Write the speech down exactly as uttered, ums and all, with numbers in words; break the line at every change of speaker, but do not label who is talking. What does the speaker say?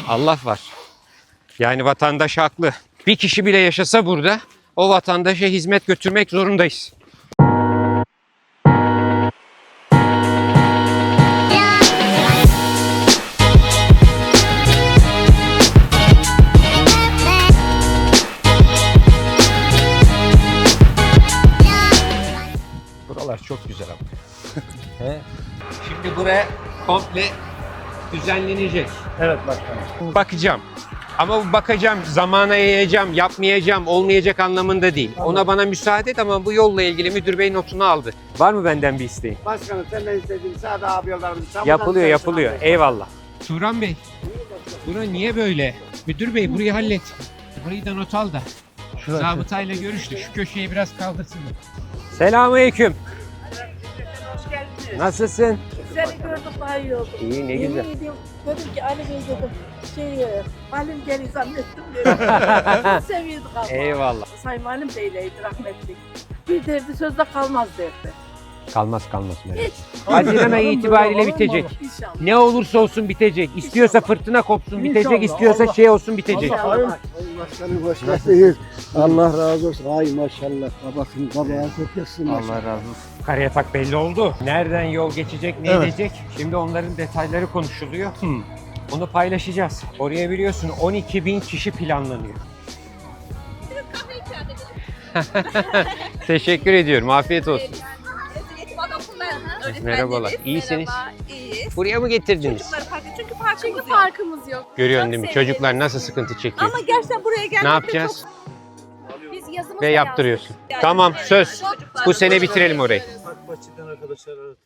Allah var. Yani vatandaş haklı. Bir kişi bile yaşasa burada o vatandaşa hizmet götürmek zorundayız. Buralar çok güzel ama. He? Şimdi buraya komple düzenlenecek.
Evet başkanım.
Bakacağım. Ama bu bakacağım, zamana yayacağım, yapmayacağım, olmayacak anlamında değil. Ona bana müsaade et ama bu yolla ilgili müdür bey notunu aldı. Var mı benden bir isteğin?
Başkanım senden istediğim sade abi yollarımızı.
Yapılıyor, yapılıyor. Eyvallah. Turan Bey, bura niye böyle? Müdür bey burayı hallet. Burayı da not al da. Zabıtayla görüştük. Şu köşeyi biraz kaldırsın. Selamünaleyküm.
Hoş geldiniz.
Nasılsın?
Seni gördüm daha iyi oldu.
İyi, ne
Yemin
güzel.
ediyorum, dedim ki Ali Bey dedim. Şey, Halim geri zannettim dedim. Seviyorduk ama.
Eyvallah.
Sayın Halim Bey'leydi rahmetli. Bir derdi sözde kalmaz derdi.
Kalmaz kalmaz merak.
Hiç.
Haziran ayı itibariyle bitecek.
İnşallah.
Ne olursa olsun bitecek. İstiyorsa fırtına kopsun bitecek,
İnşallah.
istiyorsa
Allah-
şey olsun bitecek.
Allah-
Sayın Başkanım hoş geldiniz. Allah razı olsun. Ay maşallah. Babasın babaya çok yazsın.
Allah razı olsun. Karayatak belli oldu. Nereden yol geçecek, ne
Evet.
edecek? Şimdi onların detayları konuşuluyor. Onu paylaşacağız. Oraya biliyorsun on iki bin kişi planlanıyor. Teşekkür ediyorum. Afiyet olsun. Merhabalar. İyisiniz.
Merhaba, iyiyiz.
Buraya mı getirdiniz?
Çocukları parkı çünkü parkımız
Çünkü
yok.
farkımız yok.
Görüyorsun
Çok
değil mi?
sevdim.
Çocuklar nasıl sıkıntı çekiyor.
Ama gerçekten buraya gelmekte
Ne yapacağız?
Biz yazımızla
Ve yaptırıyorsun.
Yani
Tamam
evet,
söz.
çocuklar
Bu
da
sene
böyle-
bitirelim orayı.
Bahçeden arkadaşlar